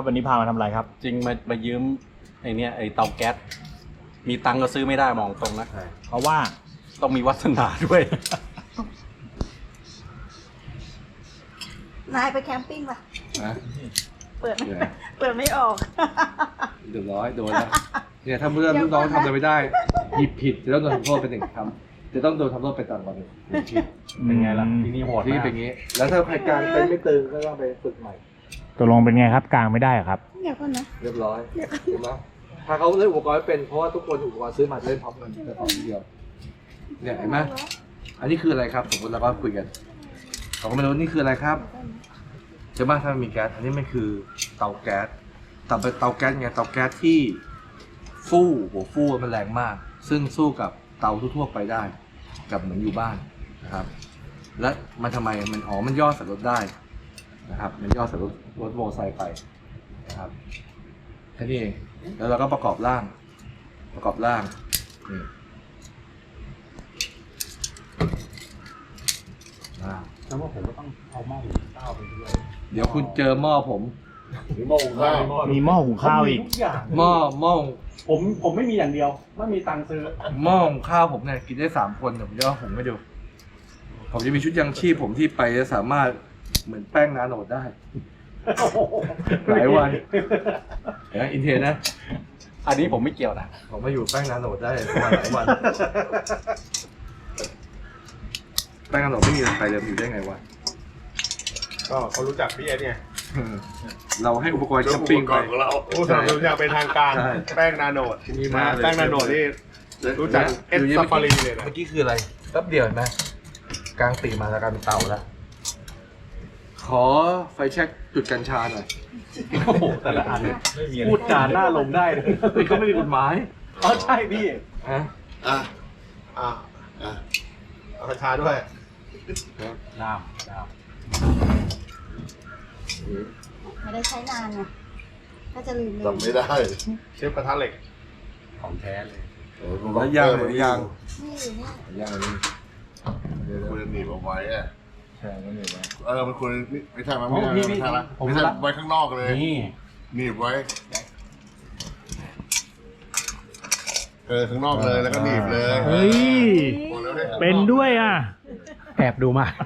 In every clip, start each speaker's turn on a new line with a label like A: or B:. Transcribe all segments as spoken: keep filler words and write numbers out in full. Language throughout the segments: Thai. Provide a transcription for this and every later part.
A: วันนี้พามาทำอะไรครับ
B: จริงมามายืมไอเนี้ยไอเตาแก๊สมีตังก็ซื้อไม่ได้มองตรงนะ
A: เพราะว่า
B: ต้องมีวาสนาด้วย
C: นายไปแคมปิ้งป่ะ
D: นะ
C: เปิดไม่เปิดไม่ออก
D: เดือดร้อยโดนแล้วเนี่ยถ้าเพื่อนลูกน้องทำอะไรไม่ได้หยิบผิดจะต้องโดนทำโทษเป็นหนึ่งคำจะต้องโดนทำโทษไปต่างวันหนึ่งผิด
B: เป็นไงล่ะที่นี่โหด
D: ที่เป็นงี้แล้วถ้าใครกลางเป็นไม่ตึงก็ต้องไปฝึกใหม่
A: ตกลงเป็นไงครับกลางไม่ได้ครับ
C: เดี๋ยวก่อนนะ
D: เรียบร้อยเห็นไหมถ้าเขาเล่นอุปกรณ์เป็นเพราะว่าทุกคนอุปกรณ์ซื้อมาเล่นพร้อมกันแต่ของเดียวเนี่ยเห็นไหมอันนี้คืออะไรครับสมมติเราก็คุยกันเขาก็ไม่รู้นี่คืออะไรครับใช่ไหมถ้ามันมีแก๊สอันนี้มันคือเตาแก๊สเตาเตาแก๊สไงเตาแก๊สที่ฟู่หัวฟู่มันแรงมากซึ่งสู้กับเตาทั่วๆไปได้กับเหมือนอยู่บ้านนะครับและมันทำไมมันอ๋อมันย่อใส่รถได้นะครับมันย่อใส่รถรถโมอไซค์ไปนะครับแค่นี้เองแล้วเราก็ประกอบร่างประกอบร่างนี่
B: แล้วว่าผมก็ต้องเอาหม้อหุงข้าวไปด้วย
D: เดี๋ยวคุณเจอหม้อผม
B: มีหม้อหุงข้าว
A: มีหม้อหุงข้าวอีก
D: หม้อหม้อ
B: ผมผมไม่มีอย่างเดียวไม่มีตังค์ซื้อ
D: หม้อหุงข้าวผมเนี่ยกินได้สามคนเดี๋ยวผมจะหุงให้ดูผมจะมีชุดยังชีพผมที่ไปจะสามารถเหมือนแป้งนาโนดได้หลายวันนะอินเทนนะ
B: อันนี้ผมไม่เกี่ยวนะ
D: ผมมาอยู่แป้งนาโนดได้ประมาณหลายวันแป้งนาโนดไม่มีใครเลยอยู่ได้ไงวะ
E: ก็เขารู้จักพี่เอสไง
D: เราให้อุปกรณ์แคมปิ้งไป
E: เราผู้สนับสนุนอย่างเป็นทางการแป้งนาโนด
D: นี่มา
E: แป้งนาโนดนี่รู้จักเอสซาฟารีเลยนะ
D: เมื่อกี้คืออะไรแป๊บเดียวเห็นไหมกลางปีมาแล้วกลายเป็นเตาแล้วขอไฟแช็กจุดกัญชาหน่อย
B: โอ้โหแต่ละอันพูดจาหน้าลมได้เลย
D: เขาไม่มีกฎหมาย
B: อ๋อใช่พี่
D: ฮะ
E: อ่ะอ่ะอ่ะเอากัญชาด้วย
B: น้ำน้ำ
C: ไม่ได้ใช้นานไงก็จะลืมเลย
E: จำไม่ได้เชฟกระทะเหล็ก
B: ของแท้เลย
D: แล้วยางหรือยาง
C: นี่อยู่นี่
D: ยางนี่
E: ควรจะหนีบเอาไว้อะ
D: ใช่ไม่หนีบไว้
E: เออมันควรไม่ใช่มันไม่ใช่ไม่ใช่ละไม่ใช่ไว้ข้างนอกเลย
B: นี่
E: หนีบไว้เออข้างนอกเลยแล้วก็หนีบเลย
A: เฮ้ยเป็นด้วยอ่ะ
B: แอบดูมา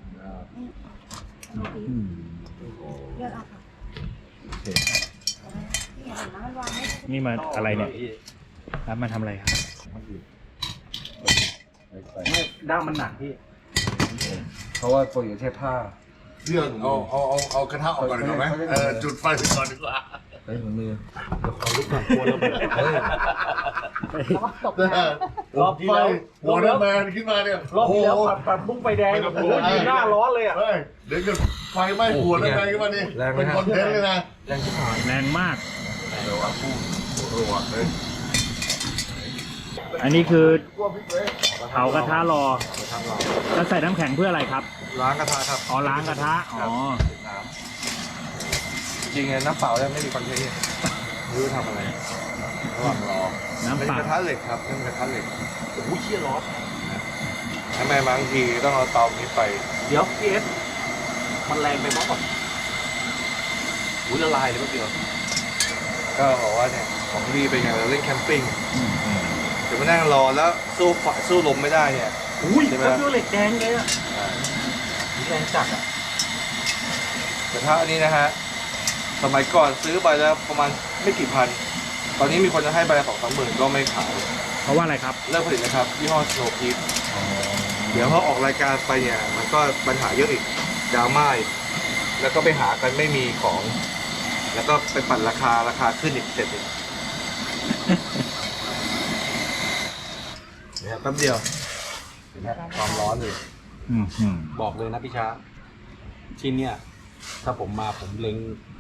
C: เลือกเอาค่ะ
A: นี่มาอะไรเนี่ยรับมาทำอะไรครับ
B: ไม่ด้ามมันหนักพี่
D: เพราะว่าตัวอยู่ใช้ผ้า
E: เรื่องเอาเอาเอาเอากระทะออกก่อนดีกว่าไหมเออจุดไฟก่อนดีกว่า
D: เฮ้ยมือ
B: เอาลูกหนังกลัวแล้ว
C: ตกน้
E: ำรอบไฟวอร์เนอร์แมนขึ้นมาเนี่ย
B: รอบที่แล้วปัดปัดบุ้งไฟแดงโอ้โหยืนหน้าร้อนเลยอ่ะ
E: เดี๋ยวเกิดไฟไหม้หัวแล้วไงขึ้นมานี่เป็นคอนเทนต์เลยนะ
D: แรงที่ผ่าน
A: แรงมาก
E: เดี๋ยวว่าพูดรัวเลย
A: อันนี้คือเผากระทะรอแล้วใส่น้ำแข็งเพื่ออะไรครับ
D: ล้างกระทะครับ
A: อ๋อล้างกระทะอ๋อ
D: จริงไงน้ำเปล่าเนี่ยไม่มีคอนเทนต์ไม่รู้ทำอะไรระหว่างรอ
A: น้ำเปล่าก
D: ระทะเหล็กครับเป็นกระทะเหล็ก
B: โอ้โหเชี่ยร้อน
D: ทำไมบางทีต้องเอาเตานี้ไป
B: เดี๋ยวพี่เอสมันแรงไปมั้งก่อนอุ้ยละลายเลยแป๊บเดียว
D: ก็บอกว่าเนี่ยของดีเป็นไงเราเล่นแคมปิ้งเดี๋ยวมานั่งรอแล้วสู้ฝาสู้ลมไม่ได้เนี่ย
B: อุ้ยใช่ไหมเหล็กแดงเลยอ่ะแดงจัดอ่ะ
D: กระทะอันนี้นะฮะสมัยก่อนซื้อไปแล้วประมาณไม่กี่พันตอนนี้มีคนจะให้ใบละสองสามหมื่นก็ไม่ขาย
A: เพราะว่าอะไรครับ
D: เลิกผลิตนะครับยี่ห้อสโนว์พีทเดี๋ยวพอออกรายการไปเนี่ยมันก็ปัญหาเยอะอีกดราม่าแล้วก็ไปหากันไม่มีของแล้วก็ไปปั่นราคาราคาขึ้นอีกเสร็จอีกเนี่ยแป๊บเดียวเห็นไหมความร้อนเลย
B: บอกเลยนะพี่ช้าที่เนี่ยถ้าผมมาผมเล็ง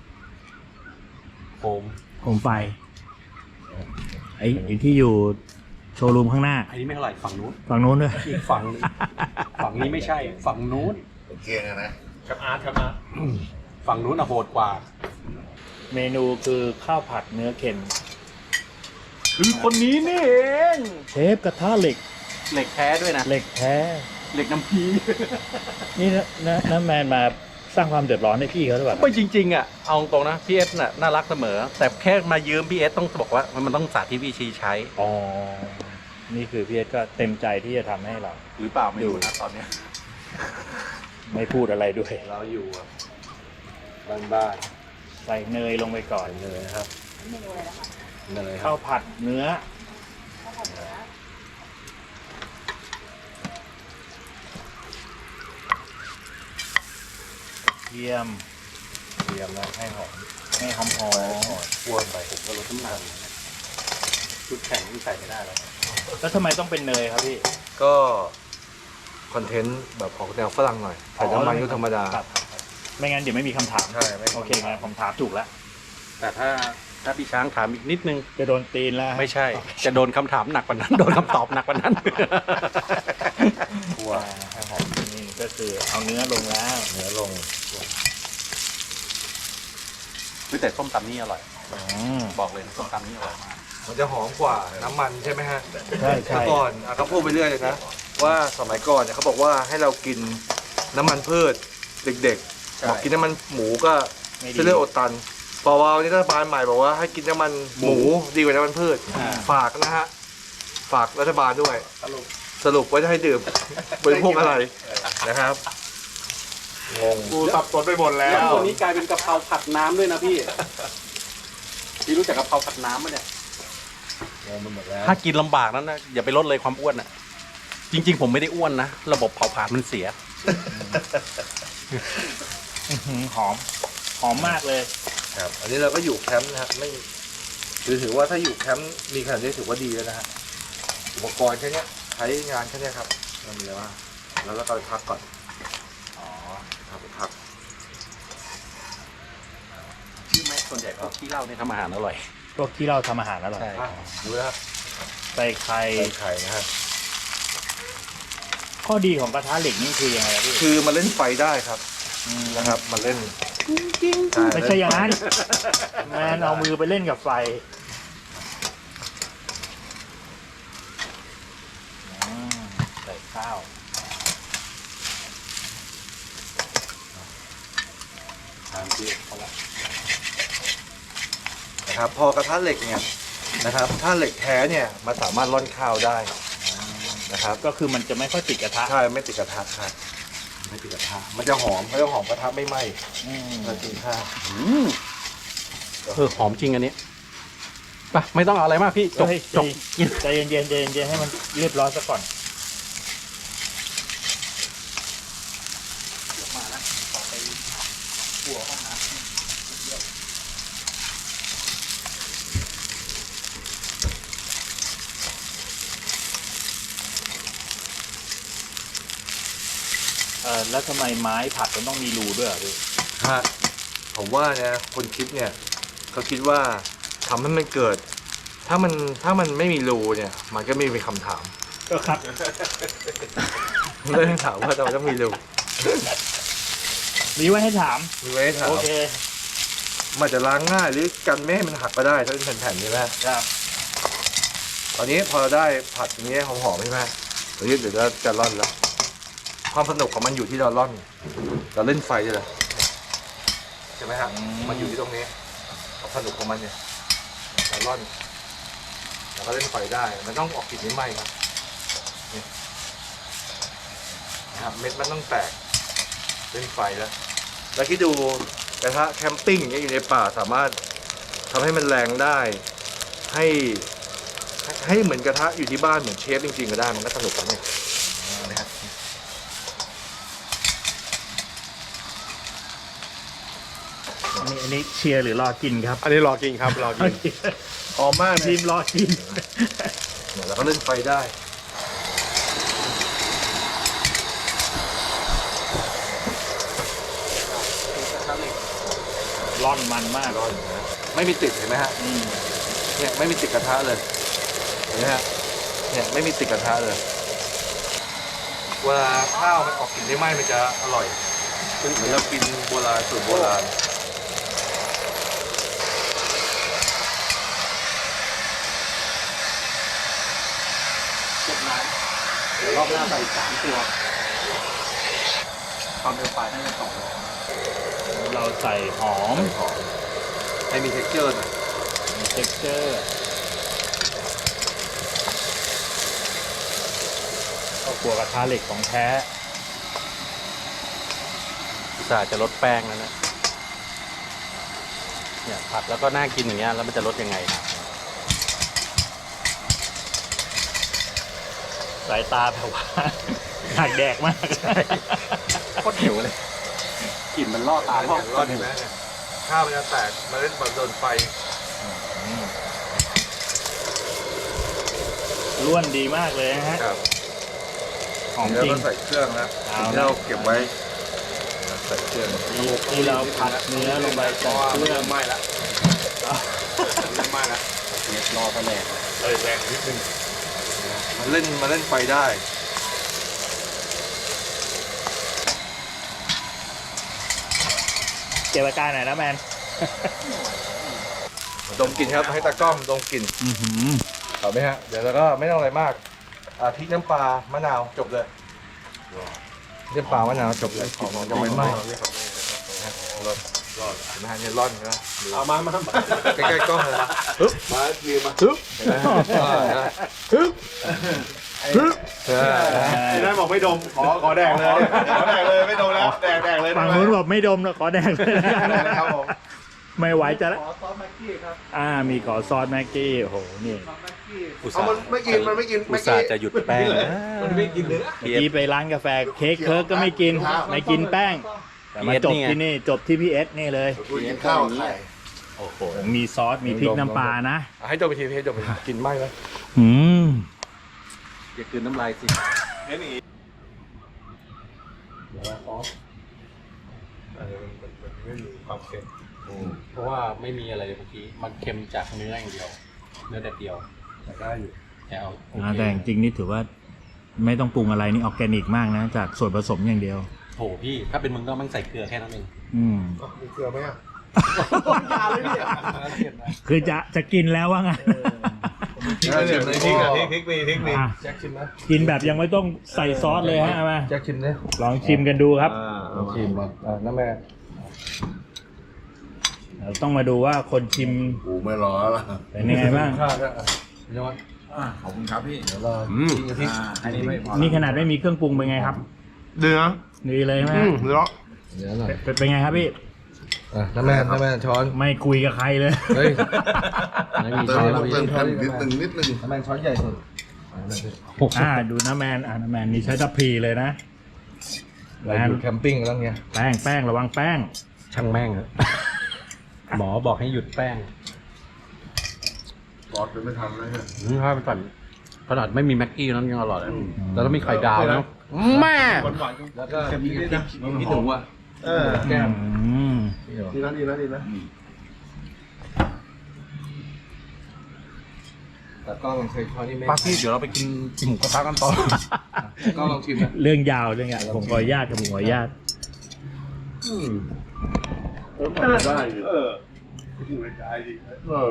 B: โคม
A: โคมไฟไอ้ที่อยู่โชว์รูมข้างหน้า
B: อันนี้ไม่เท่าไหร่ฝั่งนู้น
A: ฝั่งนู้นด้วย
B: อีกฝั่งฝั่งนี้ไม่ใช่ฝั่งนู้น
E: โอเคนะกับอาร์ตครับอาร์ต
B: ฝั่งนู้นอะโหดกว่า
A: เมนูคือข้าวผัดเนื้อเค็ม
B: คือคนนี้นี่เอง
A: เชฟกระทะเหล็ก
B: เหล็กแท้ด้วยนะ
A: เหล็กแท้
B: เหล็กน้ำพี
A: นี่นะน้ำแมนมาสร้างความเดือดร้อนให้พี่เขาหรือเปล่า
B: ไม่จริงๆอ่ะเอาตรงนะพี่เอสน่ะน่ารักเสมอ แต่แค่มายืมพี่เอสต้องบอกว่ามันต้องสาธิตวิธีใช้
A: อ๋อนี่คือพี่เอสก็เต็มใจที่จะทำให้เรา
B: หรือเปล่าไม่รู้นะตอนเนี้ย
A: ไม่พูดอะไรด้วย
D: เราอยู่แบบบ้าน
A: ใส่เนยลงไปก่อน
D: ๆเลยนะครับ
C: เมนูอะไรนะคะ
D: เนยครั
A: ข้า
D: บ
A: วผัดเนื้อ
C: ข้าวผัดเนื้อ
A: เทียม
D: เตรียมนะให้หอม
A: ให้หอมหอม
D: คั่วไป
B: ผมก็ลดน้ำหนักชุดแข่งที่ใส่ไม่ได้แล้ว
A: แล้วทำไมต้องเป็นเนยครับพี่
D: ก็คอนเทนต์แบบออกแนวฝรั่งหน่อยใส่น้ำมันก็ธรรมดา
A: ครับครับครับไม่งั้นเดี๋ยวไม่มีคำถาม
D: ใช่ไม่มี
A: โอเคงั้นผมถามถูกแล้ว
B: แต่ถ้าถ้าพี่ช้างถามอีกนิดนึง
A: จะโดนตีนแล้ว
B: ไม่ใช่ จะโดนคำถามหนักกว่านั้น โดนคำตอบหนักกว่านั้น
D: คั่วให้หอม
A: นี่ก็คือเอาเนื้อลงแล้ว
D: เนื้อลง
B: เฮ้ยแต่ส้มตำนี่อร่อย
A: อืม
B: บอกเลยนะส้มตำนี่อร่อยมาก
D: มันจะหอมกว่าน้ำมันใช่ไหมฮะ
A: ใช่ใช่
D: เมื่อก่อนอ่ะเขาพูดไปเรื่อยเลยนะ ว่าสมัยก่อนเนี่ยเขาบอกว่าให้เรากินน้ำมันพืชเด็ก
B: ใช่
D: ๆบอกกินน้ำมันหมูก็
A: ไม่ดี
D: เส้นเลือดอดตันพอวาวนี่รัฐบาลใหม่บอกว่าให้กินน้ำมันหมูดีกว่าน้ำมันพืช
B: อ่า
D: ฝากนะฮะฝากรัฐบาลด้วย สรุปว่าจะให้ดื่มบริโภคอะไรนะครับงง
E: กูสับสนไปหมดแล้ว
B: ตัวนี้กลายเป็นกะเพราผัดน้ำด้วยนะพี่ พี่รู้จักกะเพราผัดน้ำไหมเนี่ย
D: งงไปหมดแล้ว
B: ถ้ากินลำบากนั้นนะอย่าไปลดเลยความอ้วนอ่ะ จริง ๆ ผมไม่ได้อ้วนนะ ระบบเผาผลาญมันเสีย
A: อื้อหือหอม หอมมากเลย
D: ครับอันนี้เราก็อยู่แคมป์นะฮะไม่ถือถือว่าถ้าอยู่แคมป์มีขนาดนี้ถือว่าดีแล้วนะฮะอุปกรณ์แค่เนี้ยใช้งานแค่เนี้ยครับเรามีอะไรบ้างแล้วเราก็ไปพักก่อนอ๋อครับไปพัก
B: ที่แม่ส่วนใหญ่พวกที่เหล้าเนี่ยทำอาหารอร่อย
A: พวกที่เราทำอาหารอร่อย
B: ใช่
D: อ่ะดูนะครับ
A: ใส่ไข่
D: ใส่ไข่นะฮะ
A: ข้อดีของกระทะเหล็กนี่คือยังไงครับพี่
D: คือมันเล่นไฟได้ครับ
A: ม
D: นะครับมันเล่น
A: ไม่ใช่อย่างนั้น แมนเอามือไปเล่นกับไฟอืมใส่ข้าว
B: ทานที่เขาละ
D: นะครับพอกระทะเหล็กเนี่ยนะครับ ถ้าเหล็กแท้เนี่ยมันสามารถร่อนข้าวได้นะครับ
A: ก็คือมันจะไม่ค่อยติดกระทะ
D: ใช่ไม่ติดกระทะครับไม่ติดกระทะมันจะหอมเขาจะหอมกระทะไม่ไหม้
A: อืม
D: เรากินข้าว
B: อืมเออหอมจริงอันนี้ไปไม่ต้องเอาอะไรมากพี่จบ
A: เฮ้ย
B: จบกิน
A: ใจเย็นๆใจเย็นๆให้มันเรียบร้อยซะก่อน
B: มานะขอไปหัวห้องน้ำ
A: เออแล้วทำไมไม้ผัดมันต้องมีรูด้วยเหรอพี่
D: ฮะผมว่าเนี่ยคนคิดเนี่ยเขาคิดว่าทำให้มันเกิด ถ้ามันถ้ามันไม่มีรูเนี่ย มันก็ไม่มีคำถาม
A: ก็ครับ
D: ไม่ต้องถามว่าทำไมต้องมีรู
A: มีไว้ให้ถาม
D: มีไว้ให้ถาม
A: โอเค
D: มันจะล้างง่ายหรือกันไม่ให้มันหักก็ได้ถ้าเป็นแผ่นๆใช่ไหม
A: ครับ
D: ตอนนี้พอเราได้ผัดอย่างเงี้ยหอมๆใช่ไหมเดี๋ยวเดี๋ยวจะจะร่อนแล้ว ความสนุกของมันอยู่ที่เราร่อน เราเล่นไฟด้วยเลยใช่ไหมฮะ
A: อืม
D: มันอยู่ที่ตรงนี้ความสนุกของมันเนี่ยเราร่อนเราก็เล่นไฟได้ มันต้องออกกลิ่นไม่ไหม้ครับนี่นะครับเม็ดมันต้องแตกเล่นไฟแล้ว แล้วคิดดูกระทะแคมปิ้งอย่างเงี้ยอยู่ในป่าสามารถทำให้มันแรงได้ให้ ให้เหมือนกระทะอยู่ที่บ้านเหมือนเชฟจริงๆก็ได้มันก็สนุกนะเนี่ยนะฮะ
A: อันนี้อันนี้เชียร์หรือรอกินครับ
E: อันนี้รอกินครับรอกินหอมมาก
A: ที
E: เลย
A: มรอกิน
D: เนี่ยเราก็เล่นไฟได้
A: ร่อนมันมาก
D: ร้อนนะไม่มีติดเห็นไหมฮะ
A: อืม
D: เนี่ยไม่มีติดกระทะเลยเห็นไหมฮะเนี่ยไม่มีติดกระทะเลยเวลาข้าวมันออกกลิ่นได้ไหมมันจะอร่อยเหมือนเรากินโบราณสูตรโบราณ
B: จบน้ำเดี๋ยวรอบหน้าใส่สามตัวความเร็วไฟน่าจะสองร้อย
A: เราใส่หอม
D: หอมให้มี texture หน่อย
A: มี texture ข้าวคั่วกระทะเหล็กของแท้
B: อุตส่าห์จะลดแป้งแล้วนะเนี่ยผัดแล้วก็น่ากินอย่างเงี้ยแล้วมันจะลดยังไงนะ
A: สายตาแบบว่า หักแดกมาก
B: โคตรหิวเลยกลิ่นมันล่อตา
D: เนี่ยรอดเห็นไหมเนี่ยข้าวมันจะแตกเมาเล่นบอลโดนไฟ
A: ล้วนดีมากเลยนะฮะ
D: ครับ
A: หอม
D: แล้ว
A: จริง
D: ก็ใส่เครื่องนะ
A: เอา
D: ที่เราเก็บไว้ใส่เครื่อง
A: ที่ที่เราผัดเนื้อลงไป
D: เพ
A: จาก
D: ราะว่า
A: เค
D: มัน
A: รื่อ
D: เริ่
A: ง
D: มไหม้แล้วเริ่มไหม้แล้ว
B: เรียบรอไปแหลก
D: เออแรงนิดนึงมันเล่นมาเล่นไฟได้
A: เก็บอาการหน่อยนะแมน
D: ดมกลิ่นครับให้ตากล้องดมกลิ่น
A: อื้อหือ
D: เอาไหมฮะเดี๋ยวเราก็ไม่ต้องอะไรมากอ่าพริกน้ำปลามะนาวจบเลยน้ำปลามะนาวจบเลยของจะไม่ไหม้รอดรอดนะฮะเนี่ยร่อนนะ
E: เอามามามา
D: ใกล้ๆกล้องเลย
E: ปึ๊บมาดีมา
D: ฮึบฮึบฮึบ
E: ที่นั่นบอกไม่ดม ขอขอแดกเลยขอแดกเลยไม่ดมแล้วแดกแดกเลย
A: ฝั่งนู้นบอกไม่ดมแล้วขอแดกเลยแล้วกัน
E: ครับผม
A: ไม่ไหวจะละ
D: ขอซอสแม็กกี้ครับ
A: อ่ามีขอซอสแม็กกี้โอ้โหนี่
D: ซอสแม็กกี้
B: อุต
E: เอา
B: ส่าห์
E: มันไม่กินมันไม่กิน
B: อุตส่าห์จะหยุดแป้งนะ
E: มันไม่กินเนื้อ
A: เมื่อกี้ไปร้านกาแฟเค้กเคิร์กก็ไม่กินไม่กินแป้งแต่มาจบที่นี่จบที่พี่เอสนี่เลย
E: กูกินข้าวไข่
A: โอ้โหมีซอสมีพริกน้ำปลานะ
D: ให้จบไปทีให้จบไปกินไหม้ไหม
A: อืม
B: อย่าคืนน้ำลายสิ
E: เห็นอย่างงี้
D: เออมันมันไม่มีความเค็ม
B: เพราะว่าไม่มีอะไรเลยเมื่อกี้มันเค็มจากเนื้ออย่างเดียว เนื้อแต่เดียว
D: แต่ได้อยู่
B: แต่เอาโอ
A: อ่า
B: เค
A: แต่จริงๆนี่ถือว่าไม่ต้องปรุงอะไรนี่ออร์แกนิกมากนะ จากส่วนผสมอย่างเดียว
B: โถพี่ถ้าเป็นมึงก็มั่งใส่เกลือแค่นั้นเอง
A: อืม
E: มีเกลือไหมอ่ะ
A: คือจะจะกินแล้วว่างั้น
E: เดี๋ยวพริกอ่ะพริกพริกมีพริกมี
A: อ่ะ
D: แจ็คชิมนะ
A: กินแบบยังไม่ต้องใส่ซอสเลยฮะเอามา
D: แจ็คชิมเนี่ย
A: ลองชิมกันดูครับ
D: ลองชิมมาอ่าน้าแม่
A: เราต้องมาดูว่าคนชิม
E: กูไม่รอแล้ว
A: เป็นยังไงบ้าง
D: ข้าวก็อ่ะพี่นวัด
E: ขอบคุณครับพี่
D: เดี๋ยวเรากินกับพริก
E: อันนี้ไม่พอ
A: นี่ขนาดไม่มีเครื่องปรุงเป็นไงครับ
E: เนื้อ
A: ดีเลยใช่ไหม
E: อืมเนื้อ
D: เดี๋ยวหน่อย
A: เป็นเป็นไงครับพี่
D: อ่ะน้าแม่น้าแม่ช้อน
A: ไม่คุยกับใครเลย
D: เฮ้ย
B: ไม่มี
E: เติ
B: ช้
E: ม
B: อนแล้ว
E: เติม
B: พี่
E: เติมนิดนึงนิดนึง
D: น้าแม่ช้อนใหญ่สุดอ่ะน้าแม่
A: อ่าดูน้าแมนอ่าน้าแมนนี่ใช้ทัพพีเลยนะ
D: เราอยู่แคมปิ้งแล้วไง
A: แป้งแป้งระวังแป้ง
B: ช่างแม่งอะหมอบอกให้หยุดแป้ง
E: ซอสจะไม่ทำแล้วเนี่ย
B: อืมถ้าเป็นฝันขนาดไม่มีแม็กกี้นั้นยังอร่อยเลยแล้วถ้ามีไข่ดาวนะแม่
D: แล้วก็มีพริกพี่หนูอ่ะ
E: เออ
D: แก้ม
A: อืม
E: ดีนะดีนะดีนะ
D: แต่ก็ลองเคยช้อนนี่ไม่
B: ป้าพี่เดี๋ยวเราไปกินหมูกระทะกันต่อ
D: ก็ลองชิมนะ
A: เรื่องยาวเรื่องยาวผมขออนุญาตครับผมขออนุญาต
E: ได้เออไม่ได้ดิเออ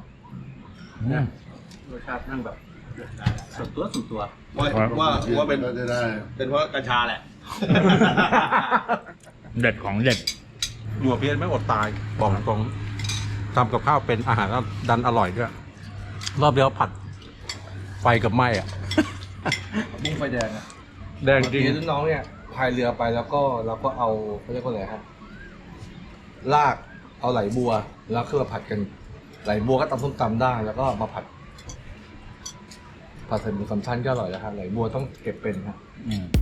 B: รสชาตินั่งแบบส่วนตัวส่วนตัว
E: ว่าว่าว่าเป็นได้ เป็นเพราะกัญชาแหละ
A: เด็ดของเด็ด
B: อยู่กับเพียนไม่อดตายบอกตรงทำกับข้าวเป็นอาหารแล้วดันอร่อยด้วยรอบเดียวผัดไฟกับไหม้อะ
D: บุ้งไฟแดงอ่ะ
B: แดงจริง
D: รุ่นน้องเนี่ยพายเรือไปแล้วก็เราก็เอาเขาเรียกว่าอะไรฮะลากเอาไหลบัวแล้วคือมาผัดกันไหลบัวก็ตำส้มตำได้แล้วก็มาผัดผัดใส่หมูสามชั้นก็อร่อยแล้วฮะไหลบัวต้องเก็บเป็นฮะ
A: อืม